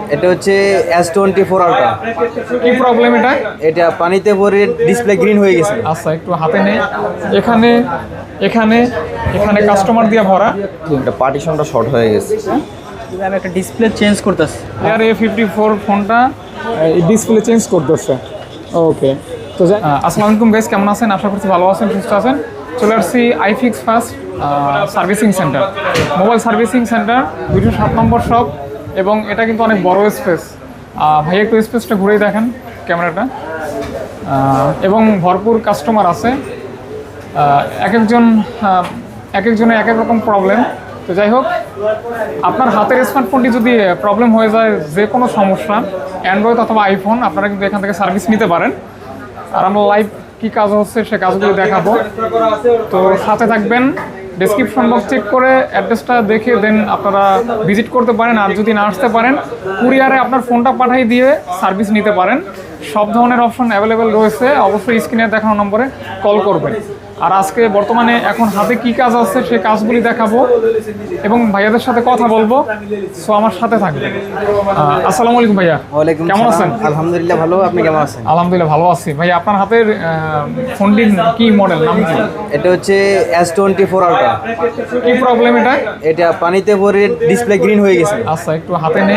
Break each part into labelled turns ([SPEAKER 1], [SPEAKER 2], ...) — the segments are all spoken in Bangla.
[SPEAKER 1] এটা হচ্ছে S24 আলট্রা।
[SPEAKER 2] কি প্রবলেম এটা?
[SPEAKER 1] এটা পানিতে পরে ডিসপ্লে গ্রিন হয়ে গেছে।
[SPEAKER 2] আচ্ছা, একটু হাতে নেই। এখানে এখানে এখানে কাস্টমার দিয়ে ভরা।
[SPEAKER 1] এটা পার্টিশনটা শর্ট হয়ে গেছে।
[SPEAKER 3] আমি একটা ডিসপ্লে চেঞ্জ করতেছি।
[SPEAKER 2] আর A54 ফোনটা ডিসপ্লে চেঞ্জ করতেছে। ওকে, তো আসসালামু আলাইকুম গাইস, কেমন আছেন? আশা করছি ভালো আছেন, সুস্থ আছেন। চলে আসছি iFix first servicing centre, mobile servicing centre, 207 নম্বর শপ। এবং এটা কিন্তু অনেক বড় স্পেস। ভাই একটু স্পেসটা ঘুরেই দেখেন ক্যামেরাটা। এবং ভরপুর কাস্টমার আছে। এক একজনের এক এক রকম প্রবলেম। তো যাই হোক, আপনার হাতের স্মার্টফোনটি যদি প্রবলেম হয়ে যায়, যে কোনো সমস্যা, অ্যান্ড্রয়েড অথবা আইফোন, আপনারা কিন্তু এখান থেকে সার্ভিস নিতে পারেন। আর আমরা লাইভ কী কাজ হচ্ছে সে কাজগুলো দেখাবো। তো সাথে থাকবেন। ডেসক্রিপশন বক্স চেক করে অ্যাড্রেসটা দেখে দেন আপনারা ভিজিট করতে পারেন। আর যদি না আসতে পারেন, কুরিয়ারে আপনার ফোনটা পাঠিয়ে দিয়ে সার্ভিস নিতে পারেন। সব ধরনের অপশন অ্যাভেলেবেল রয়েছে। অবশ্যই স্ক্রিনে দেখানো নম্বরে কল করবেন। আর আজকে বর্তমানে এখন হাতে কি কাজ আছে সেই কাজগুলি দেখাবো এবং ভাইয়াদের সাথে কথা বলবো। সো আমার সাথে থাকবেন। আসসালামু আলাইকুম ভাইয়া, কেমন আছেন?
[SPEAKER 1] আলহামদুলিল্লাহ ভালো, আপনি কেমন আছেন?
[SPEAKER 2] আলহামদুলিল্লাহ ভালো আছি। ভাইয়া আপনার হাতের ফোনটির কি মডেল, নাম কি?
[SPEAKER 1] এটা হচ্ছে S24 আলট্রা।
[SPEAKER 2] কি প্রবলেম এটা?
[SPEAKER 1] এটা পানিতে পরে ডিসপ্লে গ্রিন হয়ে গেছে।
[SPEAKER 2] আচ্ছা, একটু হাতে নেই।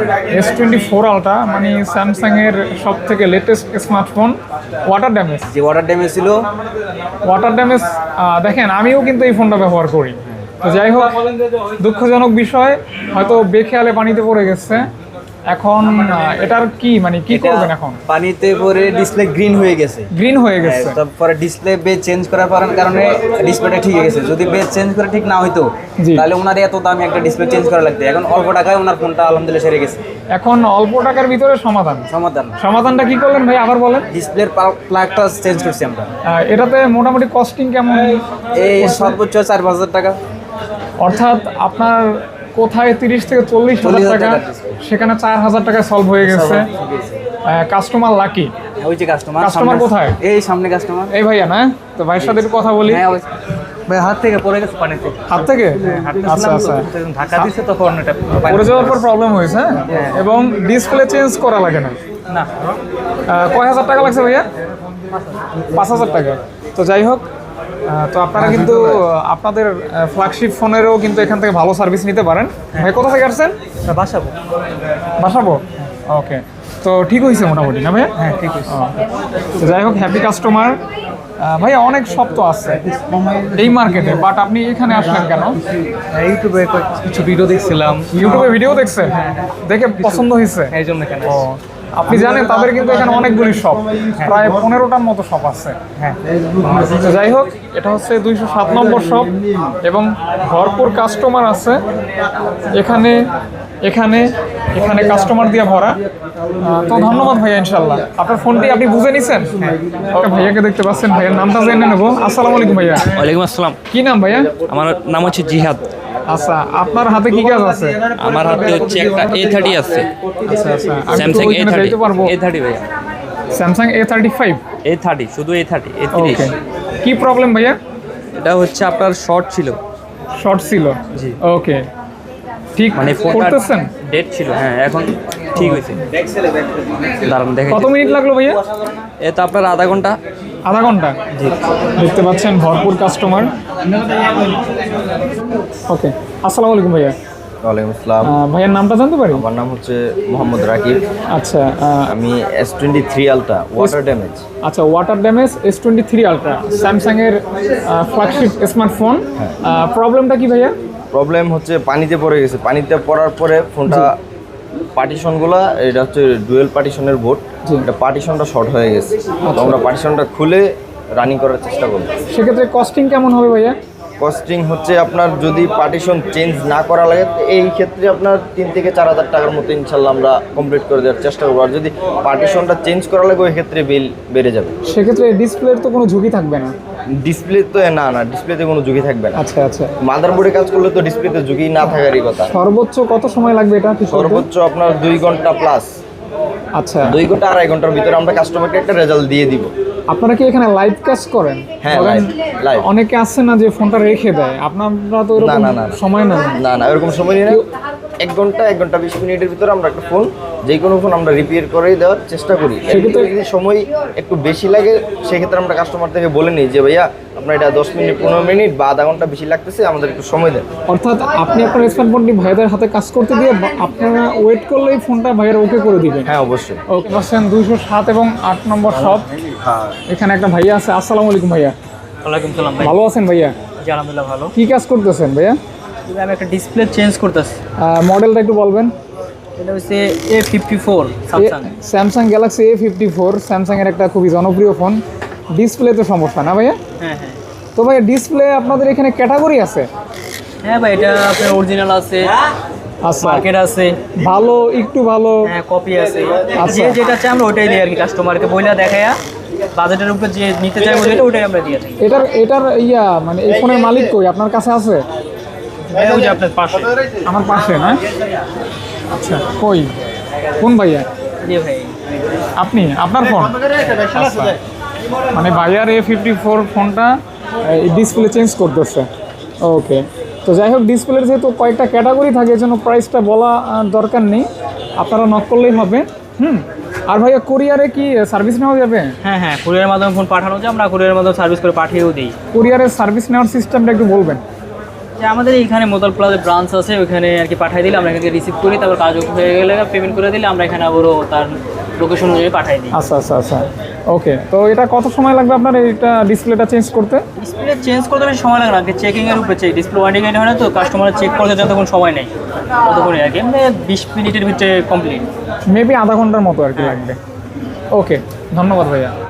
[SPEAKER 2] S24 আলট্রা মানে স্যামসাং এর সব থেকে লেটেস্ট স্মার্টফোন। Water damage?
[SPEAKER 1] যে ওয়াটার ড্যামেজ ছিল।
[SPEAKER 2] ওয়াটার ড্যামেজ দেখেন, আমিও কিন্তু এই ফোনটা ব্যবহার করি। তো যাই হোক, দুঃখজনক বিষয়, হয়তো বেখেয়ালে পানিতে পড়ে গেছে। এখন এটার কি মানে কি করবেন এখন?
[SPEAKER 1] পানিতে পরে ডিসপ্লে গ্রিন হয়ে গেছে।
[SPEAKER 2] গ্রিন হয়ে গেছে।
[SPEAKER 1] তারপরে ডিসপ্লে বেজ চেঞ্জ করার কারণে ডিসপ্লেটা ঠিক হয়ে গেছে। যদি বেজ চেঞ্জ করে ঠিক না হইতো, তাহলে ওনার এত দামি একটা ডিসপ্লে চেঞ্জ করা লাগতো। এখন অল্প টাকায় ওনার ফোনটা আলহামদুলিল্লাহ সেরে গেছে।
[SPEAKER 2] এখন অল্প টাকার ভিতরে সমাধানটা কি করলেন ভাই, আবার বলেন?
[SPEAKER 1] ডিসপ্লের প্লাগটা চেঞ্জ করছি আমরা।
[SPEAKER 2] এটাতে মোটামুটি কস্টিং কেমন?
[SPEAKER 1] এই সর্বোচ্চ 4-5 হাজার টাকা।
[SPEAKER 2] অর্থাৎ আপনার কোথায় 30 থেকে 40 হাজার টাকা, সেখানে 4,000 টাকায় সলভ হয়ে গেছে। Customer lucky.
[SPEAKER 1] ওই যে
[SPEAKER 2] কাস্টমার কোথায়?
[SPEAKER 1] এই সামনে কাস্টমার।
[SPEAKER 2] এই ভাইয়া না? তো ভাইয়ের সাথে একটু কথা বলি।
[SPEAKER 1] ভাই হাত থেকে পড়ে গেছে পানিতে।
[SPEAKER 2] হাত থেকে? আচ্ছা আচ্ছা,
[SPEAKER 1] ধাক্কা দিছে তখন এটা
[SPEAKER 2] পড়ে যাওয়ার পর প্রবলেম হয়েছে। এবং ডিসপ্লে চেঞ্জ করা লাগে না?
[SPEAKER 1] না।
[SPEAKER 2] কয় হাজার টাকা লাগছে ভাইয়া? 5,000 টাকা। তো যাই হোক, তো আপনারা কিন্তু আপনাদের ফ্ল্যাগশিপ ফোনেরও কিন্তু এখান থেকে ভালো সার্ভিস নিতে পারেন। ভাই কোথা থেকে আসছেন? বাসাবো। ওকে, তো ঠিক হয়েছে মোটামুটি না ভাইয়া?
[SPEAKER 1] হ্যাঁ ঠিক আছে।
[SPEAKER 2] তো যাই হোক, হ্যাপি কাস্টমার। ভাইয়া অনেক শপ তো আছে এই মার্কেটে, বাট আপনি এখানে আসলেন কেন?
[SPEAKER 1] ইউটিউবে কিছু ভিডিও দেখছিলাম।
[SPEAKER 2] ইউটিউবে ভিডিও দেখছেন, দেখে পছন্দ হয়েছে
[SPEAKER 1] এই জন্য কেন?
[SPEAKER 2] আপনি জানেন তাদের কিন্তু এখানে অনেকগুলি শপ, প্রায় 15টার মতো শপ আছে।
[SPEAKER 1] হ্যাঁ।
[SPEAKER 2] যাই হোক, এটা হচ্ছে 207 নম্বর শপ এবং ভরপুর কাস্টমার আছে এখানে এখানে এখানে কাস্টমার দিয়ে ভরা। তো ধন্যবাদ ভাইয়া, ইনশাল্লাহ আপনার ফোনটি আপনি বুঝে নিছেন। ওকে, ভাইয়াকে দেখতে পাচ্ছেন, ভাইয়ের নামটা জেনে নেবো। আসসালামু আলাইকুম ভাইয়া।
[SPEAKER 4] ওয়ালাইকুম আসসালাম।
[SPEAKER 2] কি নাম ভাইয়া?
[SPEAKER 4] আমার নাম হচ্ছে জিহাদ।
[SPEAKER 2] আচ্ছা, আপনার হাতে কি কাজ আছে?
[SPEAKER 4] আমার হাতে হচ্ছে একটা A30 আছে।
[SPEAKER 2] আচ্ছা আচ্ছা,
[SPEAKER 4] স্যামসাং A30।
[SPEAKER 2] যাইতে পারবো?
[SPEAKER 4] A30 ভাইয়া।
[SPEAKER 2] Samsung A35?
[SPEAKER 4] A30, শুধু A30,
[SPEAKER 2] ওকে,
[SPEAKER 4] A30।
[SPEAKER 2] কি প্রবলেম ভাইয়া?
[SPEAKER 4] এটা হচ্ছে আপনার শর্ট ছিল।
[SPEAKER 2] শর্ট ছিল?
[SPEAKER 4] জি।
[SPEAKER 2] ওকে, ঠিক
[SPEAKER 4] মানে ফোনটা
[SPEAKER 2] করতেছেন?
[SPEAKER 4] ডেট ছিল। হ্যাঁ, এখন ঠিক হয়েছে। দাঁড়ান দেখে।
[SPEAKER 2] কত মিনিট লাগলো ভাইয়া?
[SPEAKER 4] এ তো আপনার আধা ঘন্টা।
[SPEAKER 2] আধা ঘন্টা?
[SPEAKER 4] জি।
[SPEAKER 2] দেখতে পাচ্ছেন ভরপুর কাস্টমার। ওকে, আসসালামু আলাইকুম ভাইয়া।
[SPEAKER 5] ওয়ালাইকুম আসসালাম।
[SPEAKER 2] ভাইয়ার নামটা জানতে পারি?
[SPEAKER 5] আমার নাম হচ্ছে মোহাম্মদ রাকিব।
[SPEAKER 2] আচ্ছা,
[SPEAKER 5] আমি S23 আলট্রা ওয়াটার ড্যামেজ।
[SPEAKER 2] আচ্ছা, water damage S23 ultra, Samsung এর ফ্ল্যাগশিপ স্মার্টফোন। প্রবলেমটা কি ভাইয়া?
[SPEAKER 5] প্রবলেম হচ্ছে পানিতে পড়ে গেছে। পানিতে পড়ার পরে ফোনটা পার্টিশনগুলো, এটা হচ্ছে ডুয়েল পার্টিশনের বোর্ড, এটা পার্টিশনটা শর্ট হয়ে গেছে। তো আমরা পার্টিশনটা খুলে রানিং করার চেষ্টা করব।
[SPEAKER 2] সেক্ষেত্রে কস্টিং কেমন হবে ভাইয়া?
[SPEAKER 5] কস্টিং হচ্ছে আপনার যদি পার্টিশন চেঞ্জ না করা লাগে, এই ক্ষেত্রে আপনার 3 থেকে 4 হাজার টাকার মতো ইনশাল্লাহ আমরা কমপ্লিট করে দেওয়ার চেষ্টা করবো। আর যদি পার্টিশনটা চেঞ্জ করা লাগে, ওই ক্ষেত্রে বিল বেড়ে যাবে।
[SPEAKER 2] সেক্ষেত্রে ডিসপ্লের তো কোনো ঝুঁকি থাকবে না?
[SPEAKER 5] ডিসপ্লে তো না, ডিসপ্লেতে কোনো ঝুঁকি থাকবে না।
[SPEAKER 2] আচ্ছা আচ্ছা,
[SPEAKER 5] মাদারবোর্ডে কাজ করলে তো ডিসপ্লেতে ঝুঁকি না থাকারই কথা।
[SPEAKER 2] সর্বোচ্চ কত সময় লাগবে এটা?
[SPEAKER 5] সর্বোচ্চ আপনার 2 ঘন্টা প্লাস।
[SPEAKER 2] আচ্ছা,
[SPEAKER 5] 2 ঘন্টা 2.5 ঘন্টার ভিতরে আমরা কাস্টমারকে একটা রেজাল্ট দিয়ে দিব।
[SPEAKER 2] আপনারা কি এখানে লাইভ কাজ করেন?
[SPEAKER 5] হ্যাঁ, লাইভ।
[SPEAKER 2] অনেকে আছে না যে ফোনটা রেখে দেয়, আপনারা তো এরকম সময় নেন
[SPEAKER 5] না, এরকম সময় নেই না। 1 ঘন্টা 1 ঘন্টা 20 মিনিটের ভিতরে আমরা একটা ফোন যে কোনো ফোন আমরা রিপেয়ার করে দেওয়ার চেষ্টা করি। সেক্ষেত্রে যদি সময় একটু বেশি লাগে সেক্ষেত্রে আমরা কাস্টমার থেকে বলে নিই যে ভাইয়া আপনার এটা 10 মিনিট 15 মিনিট বা আধা ঘন্টা বেশি লাগতেছে, আমাদের একটু সময় দেন।
[SPEAKER 2] অর্থাৎ আপনি আপনার স্মার্টফোনটি ভাইয়াদের হাতে কাজ করতে দিয়ে আপনারা ওয়েট করলেই ফোনটা ভাইয়ের ওকে করে দিবেন।
[SPEAKER 5] হ্যাঁ অবশ্যই।
[SPEAKER 2] ওকে, পাচ্ছেন 207 এবং 8 নম্বর শপ। এখানে একটা ভাইয়া আছে। আসসালামু আলাইকুম ভাইয়া।
[SPEAKER 3] ওয়ালাইকুম সালাম ভাই।
[SPEAKER 2] ভালো আছেন ভাইয়া?
[SPEAKER 3] জি আলহামদুলিল্লাহ ভালো।
[SPEAKER 2] কি কাজ করতেছেন ভাইয়া?
[SPEAKER 3] আমি একটা ডিসপ্লে চেঞ্জ করতেছি।
[SPEAKER 2] মডেলটা একটু বলবেন।
[SPEAKER 3] এটা হচ্ছে A54 Samsung.
[SPEAKER 2] Samsung Galaxy A54 স্যামসাংয়ের একটা খুবই জনপ্রিয় ফোন। ডিসপ্লে তো সমস্যা না ভাইয়া?
[SPEAKER 3] হ্যাঁ হ্যাঁ
[SPEAKER 2] তো ভাইয়া ডিসপ্লে আপনাদের এখানে ক্যাটাগরি আছে?
[SPEAKER 3] হ্যাঁ ভাই, এটা আপনার অরিজিনাল আছে,
[SPEAKER 2] আচ্ছা,
[SPEAKER 3] মার্কেট আছে,
[SPEAKER 2] ভালো একটু ভালো।
[SPEAKER 3] হ্যাঁ কপি আছে।
[SPEAKER 2] আচ্ছা।
[SPEAKER 3] যে যেটা চাই আমরা ওটাই দিই আর কি, কাস্টমারকে বইলা দেখায়া বাজেটের উপর যে নিতে চাই যেটা ওটাই আমরা দিয়ে থাকি।
[SPEAKER 2] এটার মানে এই ফোনের মালিক কই? আপনার কাছে আছে?
[SPEAKER 3] ওই যে আপনার পাশে।
[SPEAKER 2] আমার পাশে না? আচ্ছা, কই কোন ভাইয়া?
[SPEAKER 3] জি ভাই।
[SPEAKER 2] আপনি আপনার ফোন? আচ্ছা। মানে ভাইয়ার A54 ফোনটা ডিসপ্লে চেঞ্জ করতেছে। ওকে, তো যাই হোক, ডিসপ্লের যেহেতু কয়েকটা ক্যাটাগরি থাকে এজন্য প্রাইসটা বলা দরকার নেই, আপনারা নক করলেই হবে। আর ভাইয়া কুরিয়ারে কি সার্ভিস নেওয়া যাবে?
[SPEAKER 3] হ্যাঁ হ্যাঁ, কুরিয়ারের মাধ্যমে ফোন পাঠানো যায়, আমরা কুরিয়ারের মাধ্যমে সার্ভিস করে পাঠিয়েও দিই।
[SPEAKER 2] কুরিয়ারের সার্ভিস নেওয়ার সিস্টেমটা একটু বলবেন।
[SPEAKER 3] যে আমাদের এইখানে মোতাল প্লাজা ব্রাঞ্চ আছে, ওইখানে আর কি পাঠিয়ে দিলে আমরা এখানে রিসিভ করি, তারপর কাজ হয়ে গেলে পেমেন্ট করে দিলে আমরা এখানে আবারও তার লোকেশন অনুযায়ী পাঠিয়ে দিই।
[SPEAKER 2] আচ্ছা আচ্ছা আচ্ছা, ওকে। তো এটা কত সময় লাগবে আপনার এটা ডিসপ্লেটা চেঞ্জ করতে?
[SPEAKER 3] ডিসপ্লে চেঞ্জ করতে বেশি সময় লাগে না, চেকিংয়ের উপরে চেক, ডিসপ্লে ওয়ারেন্টি হয় না তো, কাস্টমার চেক করতে যতক্ষণ সময় নেই ততক্ষণই আর কি, মানে 20 মিনিটের ভিতরে কমপ্লিট।
[SPEAKER 2] মেবি আধা ঘন্টার মতো আর কি লাগবে। ওকে, ধন্যবাদ ভাইয়া।